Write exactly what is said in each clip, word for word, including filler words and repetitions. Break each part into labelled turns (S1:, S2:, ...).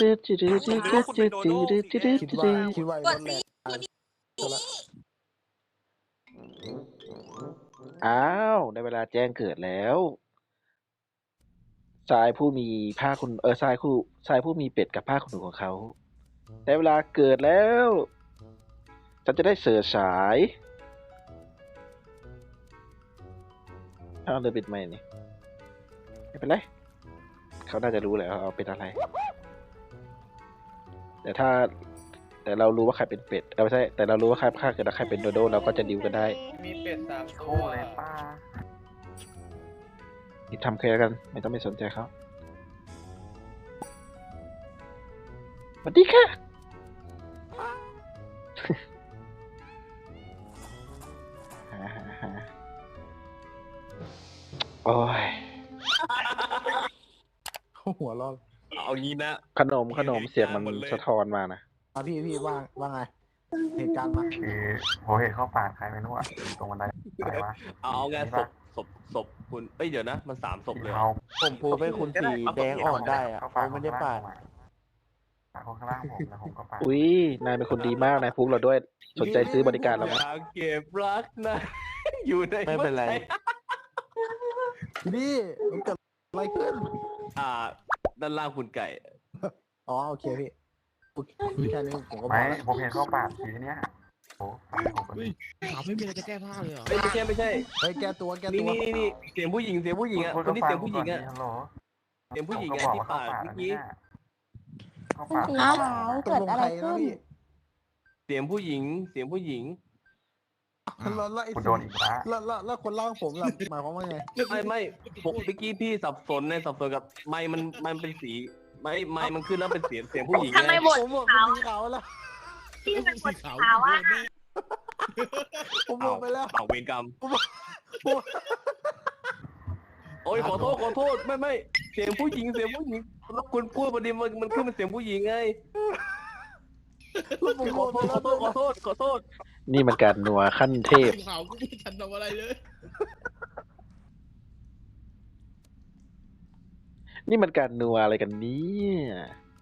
S1: คิดว่าคิดว่า
S2: ก
S1: ร
S2: ด
S1: ถแร
S2: สิ
S1: งตัวละ
S3: อ้าวได้เวลาแจ้งเกิดแล้วชายผู้มีผ้าคุณเออชายผู้ชายผู้มีเป็ดกับผ้าขนหนูของเขาได้เวลาเกิดแล้วฉันจะได้เสือสายเอาเลยปิดไม่นี่ไม่เป็นไรเขาน่าจะรู้แหละเอาเป็นอะไรแต่ถ้าแต่เรารู้ว่าใครเป็นเป็ดเออไม่ใช่แต่เรารู้ว่าใครฆ่าเกิดแล้วใครเป็นโดโดเราก็จะดิวกันได้
S4: มีเป็ดสามตั
S5: โอ้
S4: ว
S5: เลยป้า
S3: อีกทำแค่กันไม่ต้องไปสนใจเขาสวัสดีค่ะ หาหาหาโอ้ย
S1: หัวเรอ
S4: เอางี้นะ
S3: ขนมขนมเสียงมันสะท้อนมานะ
S1: อ่ะพี่พี่ว่าว่าไงเหตุการณ์มา
S5: คือผมเห็นเข้าป่าใครไม่รู้อ่ะอยู่ตรงบันไดอะไรวะ
S4: เอาไงศพศพศพคุณเอ้ยเดี๋ยวนะมันสามศพเลยเหรอ
S5: เขา
S6: ผมพูดให้คุณสีแดงอ่อนได้อะ
S5: เขา
S6: เขาไม่ได้ปาด
S5: ปาดคนข้างล่างผมแล้วผมก็ปาด
S3: อุ้ยนายเป็นคนดีมากนายพุกเราด้วยสนใจซื้อบริการเราไหม
S4: อยากเก็บรักนะ อยู่ใน
S6: ไม่เป็นไร
S1: พี่มันเกิดอะไรขึ้น
S4: อ่าด้านล่างคุณไก่
S1: อ๋อโอเคพี่แค่นี้ผมก็พ
S5: ไม่
S1: อแล้ว
S5: ผมเห็นเข้าป่าทีเนี้ยโอ้ปาดผมก็
S7: ถามไม่มีอะไรจะแก้ผ้าเลยเหรอ
S4: ไม่ไม่ใช่ไม่ใช่
S1: เฮ้ยแก้ตัวแก้
S4: นี่
S1: ตัว
S4: นี่นี่เสียงผู้หญิงเสียงผู้หญิงอ่ะคนที่เสียงผู้หญิงอ่ะ
S5: ฮัลโหล
S4: เสียงผู้หญิงไงที่ปาดเมื่อกี้
S5: เข้า
S8: คุณ
S5: ป่า
S8: สีขาว
S1: ตก
S8: เกิด
S1: ลง
S8: อะ
S1: ใค
S8: ไร
S1: รนะ
S8: ขึ้น
S1: พี่
S4: เสียงผู้หญิง เสียงผู้หญิง
S1: แล้วแล้วไอ้
S5: คุณโดนอีกแล้ว
S1: แล้วแล้วแล้วคนเล่าผมล่ะหมายความว่าไง
S4: ไม่ไม่ผมเมื่อกี้พี่สับสนในสับสนกับไม้มันมันเป็นสีไม้ไม้มันขึ้นแล้วเป็นเสียงเสียงผู้หญิง
S2: ทำไม
S4: ไง
S2: บท
S1: ผมบอก
S2: ขาว
S1: เป็นสีขาวแล้ว
S2: ที่เป็นบทขาวอ่ะ
S1: ผมบอกไปแล้ว
S4: เอาเวรกรรม โอ้ยขอโทษขอโทษไม่ไม่เสียงผู้หญิงเสียงผู้หญิงแล้วคุณพูดประเด็นมันมันขึ้นเป็นเสียงผู้หญิงไง
S1: แล้วผม
S4: ข
S1: บ
S4: อ
S1: อก
S4: โท
S1: ไป
S4: ษข
S1: แล้
S7: สี
S4: อโทษขอโทษขอโทษ
S3: นี่มันการนัวขั้นเทพ
S7: ขาวกูไม่ทันทำอะไรเลย
S3: นี่มันการนัวอะไรกันเนี่ย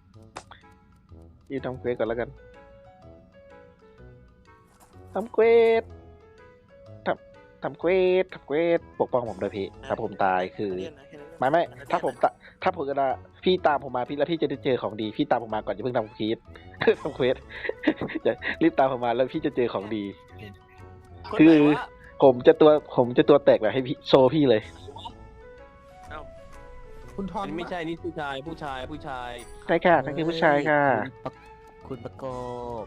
S3: ยี่ทำเควสก่อนแล้วกันทำเควสทำทำเควสทำเควสปกป้องผมด้วยพี่ถ้าผมตายคือไม่ไม่ถ้าผมตะถ้าผมจะพี่ตามผมมาพี่แล้วพี่จะได้เจอของดีพี่ตามผมมาก่อนอย่าเพิ่งทำเควส ทำเควสอย่ารีบตามผมมาแล้วพี่จะเจอของดี
S4: คน
S3: คื
S4: ไหน
S3: อ
S4: วะ
S3: ผมจะตัวผมจะตัวแตกแบบให้พี่โชว์พี่เลย
S1: คุณทอ
S4: อั
S1: น
S4: นนี้ไม่ใช่นี่ผู้ชายผู้ชายผู้ชาย
S3: ใช่ค่ะนั่นคือผู้ชายค่ะ
S6: คุณประกบ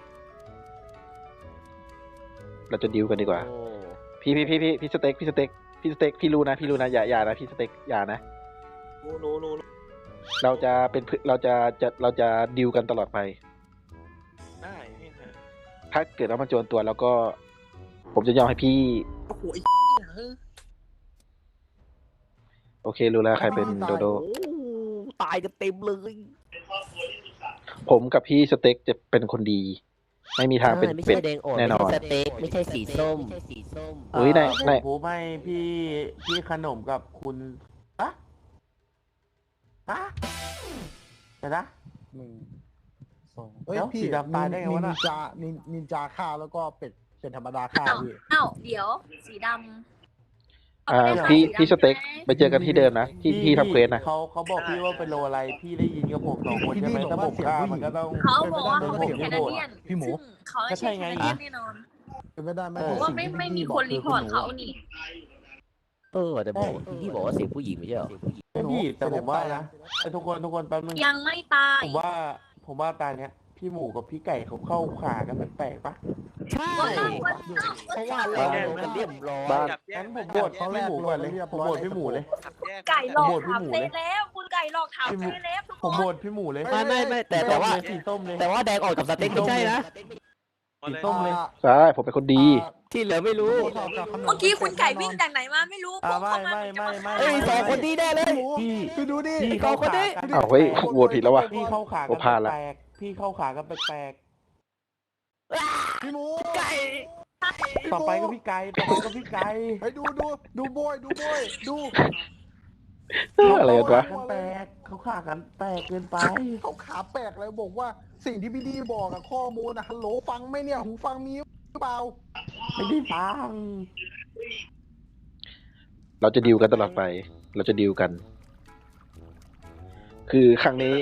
S3: เราจะดิวกันดีกว่า
S6: โอ้
S3: พี่พี่พี่พี่พี่สเต็กพี่สเต็กพี่สเต็กพี่รู้นะพี่รู้นะอย่าอย่านะพี่สเต็กอย่านะ
S4: รู้รู้รู้
S3: เราจะเป็นเพื่อนเราจะจะเราจะดิวกันตลอดไป
S4: ได้นี่ค่ะ
S3: ถ้าเกิดว่ามันโจรตัวแล้วก็ ผมจะยอมให้พี่
S7: โอ้โหไอ้
S3: โอเครู้แล้วใครเป็นโดโด
S6: โอ้ตายกันเต็มเลย
S3: ผมกับพี่สเต็กจะเป็นคนดี ไม่มีทางเป็น
S6: ไม่
S3: เป็ด
S6: ใช่แดงอ่อน
S3: แน่นอน
S6: ไม่ใช่สเต็กไม่ใช่สีส้ม
S3: อุ้ยนายนาย
S6: ผมให้พี่พี่ขนมกับคุณอะอะเดี๋ยวนะ
S1: หนึ่งสองเฮ้ย
S6: เดี๋ยว
S1: พี่
S6: สีดำตายได้ไงวะน่ะ
S1: นินจานินนินจาฆ่าแล้วก็เป็ดเป็นธรรมดาฆ่า
S2: อ้าว
S1: พี่
S2: อ้าวเดี๋ยวสีดำ
S3: อ่า
S2: เขไม่ได้
S3: พี่
S2: ขาย
S3: พี่สเต็ก
S2: สีดำใช่ไหม
S3: ไปเจอกันที่เดิมนะที่ที่ทำเควสนะ
S6: เขาเขาบอกพี่ว่าเป็นโลอะไร พี่ได้ยินกับผมสองคนใช่ไหมถ้าผมฆ่ามันก็ต้อง
S2: เขาบอกว่าเขาเป็น
S6: ผม
S2: แค
S6: ไม่
S2: นา
S6: โหวต
S2: เดียน
S1: พี่หมู
S2: ซึ่งเขาไม่ใช่แคนาเดียนแน่นอน
S1: เป็นไม่ได้ไหม
S6: เออ
S2: เพราะว่าไม่ไม่มีคนรีพอร์ตเขานี่
S6: เออแต่บอกพี่บอกว่าเสียงผู้หญิงไม่ใช่เหรอพี่แต่ผมว่านะไอ้ทุกคนทุกคนแป๊บนึง
S2: ยังไม่ตาย
S6: ผมว่าผมว่าตาเนี้ยพี่หมูกับพี่ไก่เขาเข้าขากันแปลกๆปะใช่
S2: ว่าเราว่า
S6: เพราะว่าเรากันเรียบร้อย
S3: บ้าน
S6: งั้นผมโหวตพี่หมูก่อนเลยผมโหวตพี่หมูเลย
S2: ไก่หลอก
S6: โหวตพี่
S2: ถาม
S6: หมู
S2: เซ
S6: เลย
S2: แล้ว คุณไก่หลอกถามเซแล้วทุก
S6: ผม
S2: ค
S6: โหวน ตพี่หมูเลย
S1: ไม่ไม่ไม่แต่แต่ว่า
S6: สีส้มเลย
S9: แต่ว่าแดงออกกับสเต็กไม่ใช่นะ
S6: สีส้มเลย
S3: ใช่ผมเป็นคนดี
S9: ที่เหลือไม่รู้
S2: เมื่อกี้คุณไก่วิ่งจากไหนมาไม่รู้
S6: อ่า
S2: พุ่ง
S6: ไม่
S2: เข้ามา
S6: ไม่
S2: เหมือนจะมาฆ่า
S6: ไม่ไม่
S9: เอ้ยสองคนนี้แน่เลย
S6: พี่
S1: พี่ดูดิ
S6: พี่เข้าขากัน
S3: อ้าวเฮ้ยโหวตผิดแล้ววะ
S6: พี่เข้าขา
S3: โอ้
S6: กัน
S3: พลาดละ
S6: แปลกๆพี่เข้าขากันแปลก
S1: พี่หมู
S9: ไก่
S6: ๆต่อไปก็พี่ไก่ต่อไปก็พี่ไก่
S1: ไปดูดูดูโบยดูโบยดู
S3: อะไรกันวะ
S6: เขาขากันแปลกเขาขากันแปลกเกินไป
S1: เขาขาแปลกเลยบอกว่าสิ่งที่พี่ดีบอกอะข้อมูลอะฮัลโหลฟังไหมเนี่ยหูฟังมีหรือเปล่า
S6: ไม่ได้ฟัง
S3: เราจะดิวกันตลอดไป เราจะดิวกัน คือครั้งนี้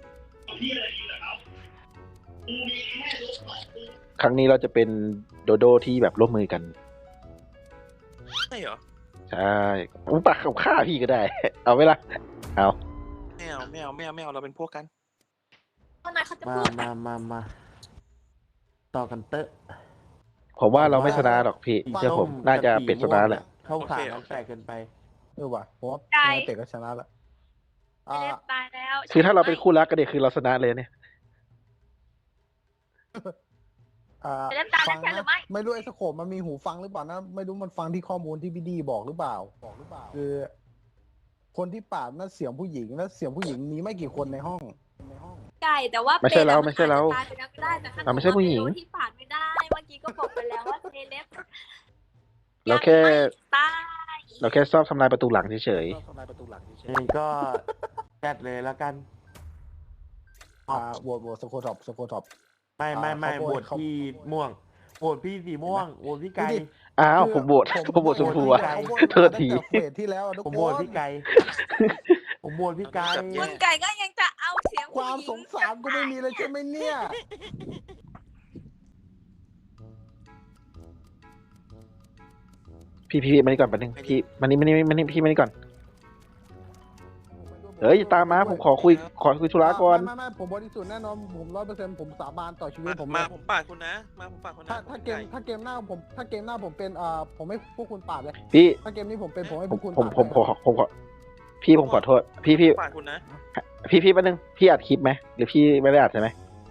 S3: ครั้งนี้เราจะเป็นโดโดที่แบบร่วมมือกัน
S8: ใช่เหรอ
S3: ใช่ผมปากกับข้าพี่ก็ได้ เอาไหมล่ะ เอา
S8: ไม่เอาไม่เอาไม่เอาไม่เอาเราเป็นพวกกัน
S2: เมื่อไหร่เขาจะ
S6: มา
S2: พูด
S6: มามามาต่อกันเตอะ
S3: ผมว่าเราไม่ชนะหรอกพี่เชื่อผม น่าจะเป็นชนะแหละ
S6: เข้าขากันแปลกเกินไป
S1: เออว่ะผมว่าเตะก็ชนะละ
S2: เซเลบตายแล้ว
S3: คือถ้าเราเป็นคู่รักกันเด็กคือเราชนะเลยเนี่ย
S2: เซเลบตายแล้วใช่หรือไม่
S1: ไม่รู้ไอ้สโคปมันมีหูฟังหรือเปล่านะไม่รู้มันฟังที่ข้อมูลที่พี่ดีบอกหรือเปล่าบอกหรือเปล่า คือ คนที่ปาดนั่นเสียงผู้หญิงแล้วเสียงผู้หญิงมีไม่กี่คนในห้องในห้อง
S2: ไก่แต่ว่า
S3: ไม่ใช่เรา
S2: ป็ดอะ
S3: ไม่ใช่เรา
S2: นอจจะตยไปแล้วก็ได้แต่ถ้า
S3: เราไม่ใช่ผู้หญิง
S2: เกิดว่าที่ปาดไม่ได้เมื่อกี้ก็บอกไปแล้วว่าเซเลบ
S3: เราแค่
S2: ยังไม่ตาย
S3: เราแค่ชอบทำลายประตูหลังเฉย
S6: นี่ก็จัดเลยแล้วกัน
S1: อ่าโหวตโหวตสโคท็อปสโคท็อป
S6: ไม่ไม่ไม่
S1: อ่า
S6: โห
S1: เขา
S6: ว
S1: โหว
S6: ต
S1: ตเขา
S6: พี่ม่วงโหวตพี่สีม่วงโหวตพี่ไก่
S3: ๆ อ้าวผมโหวตผมโหวตชมพูอะ
S1: เขาโหวต
S3: โทษที
S1: ตั้งแต่เฟสที่แล้วอะทุก
S6: ผม
S1: ค
S6: โหวต
S1: น
S6: พี่ไก่ ผมโหวตพี่ไก่
S2: คุณไก่ก็ยังจะเอาเสียง
S1: ความสงสารก็ไม่มีเลยใช่ไหมเนี่ย
S3: พี่พี่พี่มานี่ก่อนแป๊บนึงพี่มานี่มานี่มานี่พี่มานี่ก่อน เฮ้ยตามมาผมขอคุยขอคุยธุระก่อน
S1: ไม่ไม่ไม่ผมบริสุทธิ์แน่นอนผมร้อยเปอร์เซ็นต์ผมสาบานต่อชีวิตผม
S8: มา
S1: เลย
S8: ผมปาดคุณนะ มาผมปาดคุณนะ
S1: ถ้าถ้าเกมถ้าเกมหน้าผมถ้าเกมหน้าผมเป็นเอ่อผมไม่พวกคุณปาดเลย
S3: พี่
S1: ถ้าเกมนี้ผมเป็นผมให้
S3: ผ
S1: พ
S3: ม
S1: วกคุณ
S3: ผม
S1: ปาด
S3: ผมผมขอผมขอพี่ผมขอโทษ พี่พี่
S8: ปาดคุณนะ
S3: พี่พี่แป๊บนึงพี่อัดคลิปไหมหรือพี่ไม่ได้อัดใช่ไหม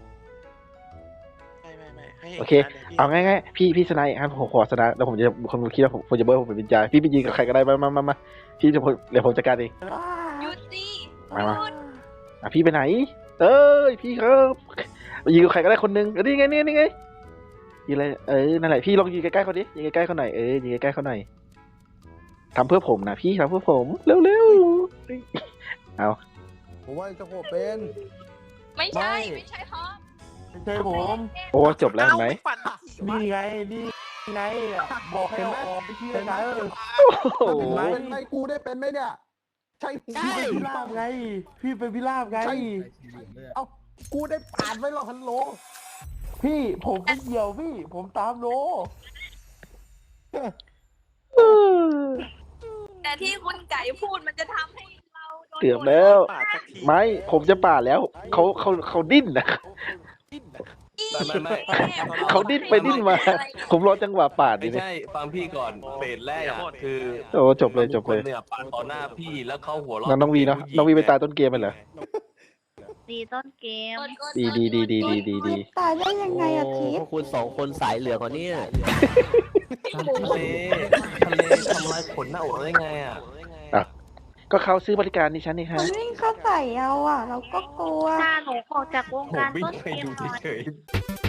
S8: ไม่ไม่ไม่ให้ห็น
S3: โอเค
S8: นะดี๋ยวพี่
S3: เอาง่ายๆพี่พี่สไนด์ครับผมขอสนะแล้วผมจะคนคิดว่าผมผมจะเบิร์ผมเป็นวิญญาณพี่ไปยิงกับใครก็ได้มามามามาพี่จะเดี๋ยวผมจัดการเอง
S2: หยุดดิ
S3: มามา
S2: หยุด
S3: อ่ะพี่ไปไหน เอ้ยพี่ครับยิงกับใครก็ได้คนนึงเออนี่ไงนี่นี่ไงยิงอะไรเออนั่นแหละพี่ลองยิงใกล้ๆเขาดิยิงใกล้ๆเขาหน่อยเออยิงใกล้ๆเขาหน่อยทำเพื่อผมนะพี่ทำเพื่อผมเร็วๆเอา
S1: ผมว่าจะโคเป็น
S2: ไม่ใช่ไม่ใช่ฮอ
S6: ไม่ใช่ผม
S3: โอ้จบแล้วเห็นไหม
S8: เอ้าฝันทีวะ
S6: นี่ไง นี่ไงบอกให้เอาออกไปเชื่อนะ
S3: โอ้โห
S6: เห็นไหม
S1: เป็นไงกูได้เป็นไหมเนี่ยใช่ผม
S6: พี่เป็นพิราบไง พี่เป็นพิราบไง
S1: เอ้ากูได้ปาดไว้หรอฮัลโหล
S6: พี่ผมไม่เกี่ยวพี่ ผมตามโล
S2: แต่ที่คุณไก่พูดมันจะทำให้เราโดน
S3: เกือบแล้ว
S8: ปาดสักที
S3: ไม่ผมจะป่าดแล้วเขาเขาเขาดิ้นนะ
S4: ไม่ไม่ไม่
S3: เขาดิ้นไปดิ้นมา ผมรอจังหวะปาด
S4: ไม่
S3: ดิเนี่ย
S4: ใช่ฟังพี่ก่อนเฟสแรกอะคือ
S3: โอ้จบเลยจบเลย
S4: ทุกคนเนี่ยปาดต่อหน้าพี่แล้วเขาหัวเราะ
S3: งั้นน้องวีเนาะน้องวีไปตายต้นเกมไปเหรอ
S2: ดีต้นเกม
S3: ดีดีดีดีดีดีดี
S10: ตายได้ยังไงอะทิพ
S9: พวกคุณสองคนสายเหลืองกว่านี้
S4: ทะเลทะเลทำลายขนหน้าอกได้ไงอะ
S3: อ่ะก็เขาซื้อบริการดิฉันนี่ฮะ
S10: มันวิ่งเข้าใส่เอาอ่ะ เราก็กลัว
S2: ถ้าหนูออกจากวง
S4: ผม
S2: การ
S4: วิ่ง
S2: ต้น
S4: ไป
S2: เกม
S4: ดู
S2: หน่อย
S4: เฉยๆ